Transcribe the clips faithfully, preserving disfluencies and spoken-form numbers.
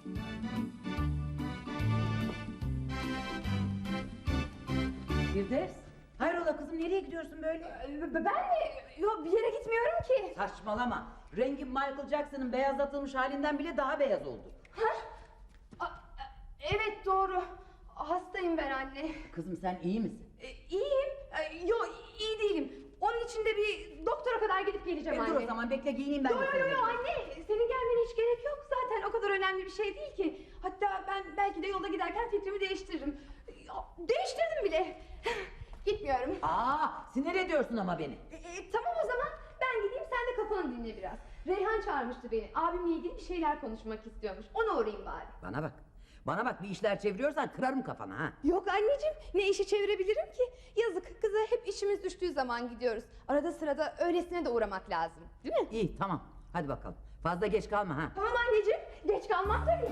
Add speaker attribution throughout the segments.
Speaker 1: Firdevs, hayrola kızım, nereye gidiyorsun böyle?
Speaker 2: Ben mi? Yok, bir yere gitmiyorum ki.
Speaker 1: Saçmalama. Rengin Michael Jackson'ın beyazlatılmış halinden bile daha beyaz oldu.
Speaker 2: Ha? A- evet doğru. Hastayım ben anne.
Speaker 1: Kızım sen iyi misin?
Speaker 2: E, iyiyim. E, yok iyi değilim. Onun için de bir doktora kadar gidip geleceğim
Speaker 1: E,
Speaker 2: anne.
Speaker 1: dur o zaman, bekle giyineyim ben.
Speaker 2: Yo
Speaker 1: de
Speaker 2: yo
Speaker 1: seninle.
Speaker 2: yo anne. Senin gelmene hiç gerek yok. Zaten o kadar önemli bir şey değil ki. Hatta ben belki de yolda giderken fikrimi değiştiririm. Ya, değiştirdim bile. Gitmiyorum.
Speaker 1: Aa, sinir ediyorsun ama beni.
Speaker 2: E, e, tamam o zaman ben gideyim, sen de kafanı dinle biraz. Reyhan çağırmıştı beni. Abimle ilgili bir şeyler konuşmak istiyormuş. Ona uğrayayım bari.
Speaker 1: Bana bak. Bana bak, bir işler çeviriyorsan kırarım kafana ha.
Speaker 2: Yok anneciğim, ne işi çevirebilirim ki? Yazık, kıza hep işimiz düştüğü zaman gidiyoruz. Arada sırada öylesine de uğramak lazım. Değil mi?
Speaker 1: İyi, tamam. Hadi bakalım. Fazla geç kalma ha.
Speaker 2: Tamam anneciğim, geç kalmam tabii.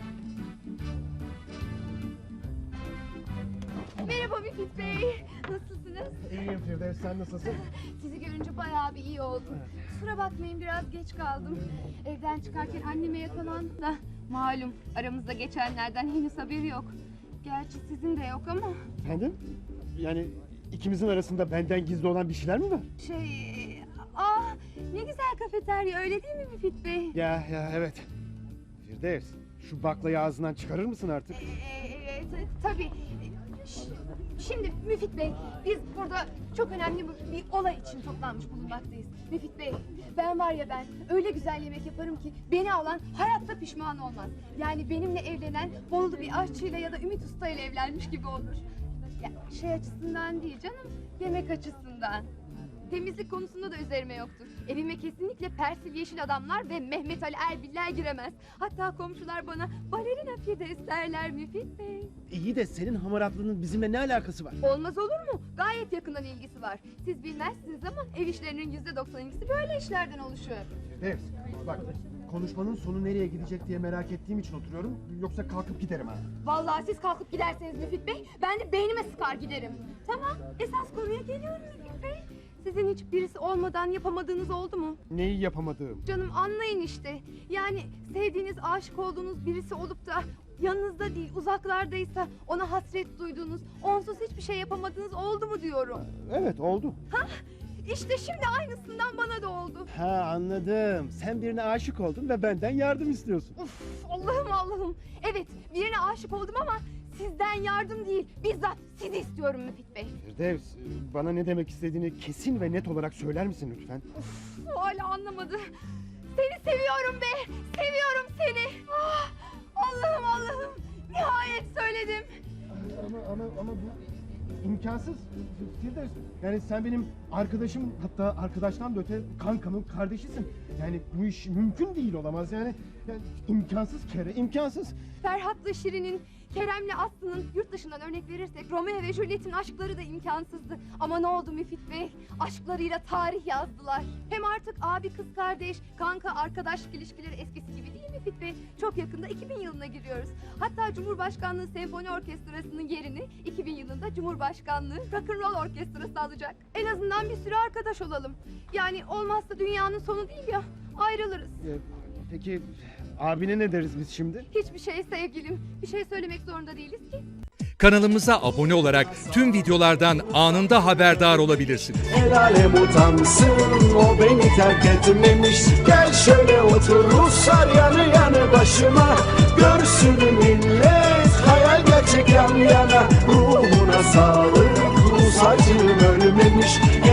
Speaker 2: Merhaba Müfit Bey. Nasılsınız?
Speaker 3: İyiyim Firdevs, sen nasılsın?
Speaker 2: Sizi görünce bayağı bir iyi oldum. Kusura bakmayın, biraz geç kaldım. Evden çıkarken anneme yakalandım da. Malum aramızda geçenlerden henüz haberi yok. Gerçi sizin de yok ama.
Speaker 3: Efendim? Yani ikimizin arasında benden gizli olan bir şeyler mi var?
Speaker 2: Şey... Aa, ne güzel kafeterya, öyle değil mi Müfit Bey?
Speaker 3: Ya ya evet. Firdevs, şu baklayı ağzından çıkarır mısın artık?
Speaker 2: Ee, e, t- tabii. Ş- Şimdi Müfit Bey, biz burada çok önemli bir, bir olay için toplanmış bulunmaktayız. Müfit Bey, ben var ya ben öyle güzel yemek yaparım ki beni alan hayatta pişman olmaz. Yani benimle evlenen Bolu bir aşçıyla ya da Ümit Usta ile evlenmiş gibi olur. Ya, şey açısından değil canım, yemek açısından. Temizlik konusunda da üzerime yoktur. Evime kesinlikle Persil Yeşil Adamlar ve Mehmet Ali Erbiller giremez. Hatta komşular bana balerina Firdevs derler Müfit Bey.
Speaker 3: İyi de senin hamaratlığının bizimle ne alakası var?
Speaker 2: Olmaz olur mu? Gayet yakından ilgisi var. Siz bilmezsiniz ama ev işlerinin yüzde doksan ikisi böyle işlerden oluşuyor.
Speaker 3: Firdevs, bak konuşmanın sonu nereye gidecek diye merak ettiğim için oturuyorum. Yoksa kalkıp giderim ha.
Speaker 2: Vallahi siz kalkıp giderseniz Müfit Bey, ben de beynime sıkar giderim. Tamam, esas konuya geliyorum Müfit Bey. Sizin hiç birisi olmadan yapamadığınız oldu mu?
Speaker 3: Neyi yapamadığım?
Speaker 2: Canım anlayın işte. Yani sevdiğiniz, aşık olduğunuz birisi olup da yanınızda değil, uzaklardaysa ona hasret duyduğunuz, onsuz hiçbir şey yapamadığınız oldu mu diyorum.
Speaker 3: Evet, oldu.
Speaker 2: Hah, işte şimdi aynısından bana da oldu.
Speaker 3: Ha, anladım. Sen birine aşık oldun ve benden yardım istiyorsun.
Speaker 2: Uf, Allah'ım Allah'ım. Evet, birine aşık oldum ama sizden yardım değil, bizzat sizi istiyorum Müfit Bey.
Speaker 3: Firdevs, bana ne demek istediğini kesin ve net olarak söyler misin lütfen?
Speaker 2: Uf, hala anlamadı. Seni seviyorum be, seviyorum seni. Ah, Allah'ım Allah'ım, nihayet söyledim.
Speaker 3: Ama ama ama bu imkansız. Firdevs, yani sen benim arkadaşım, hatta arkadaştan da öte kankamın kardeşisin. Yani bu iş mümkün değil, olamaz yani. Yani imkansız kere, imkansız.
Speaker 2: Ferhat'la Şirin'in, Kerem'le Aslı'nın, yurt dışından örnek verirsek Romeo ve Juliet'in aşkları da imkansızdı. Ama ne oldu Müfit Bey? Aşklarıyla tarih yazdılar. Hem artık abi kız kardeş, kanka arkadaşlık ilişkileri eskisi gibi değil Müfit Bey. Çok yakında iki bin yılına giriyoruz. Hatta Cumhurbaşkanlığı Senfoni Orkestrası'nın yerini iki bin yılında Cumhurbaşkanlığı Rock'n'Roll Orkestrası alacak. En azından bir sürü arkadaş olalım. Yani olmazsa dünyanın sonu değil ya, ayrılırız.
Speaker 3: Ee, peki abine ne deriz biz şimdi?
Speaker 2: Hiçbir şey sevgilim, bir şey söylemek zorunda değiliz ki.
Speaker 4: Kanalımıza abone olarak tüm videolardan anında haberdar olabilirsiniz.
Speaker 5: El alem utansın, o beni terk etmemiş. Gel şöyle otur Ruslar yanı yanı başıma. Görsün millet, hayal gerçek yan yana. Ruhuna sağlık, Rus acım ölmemiş.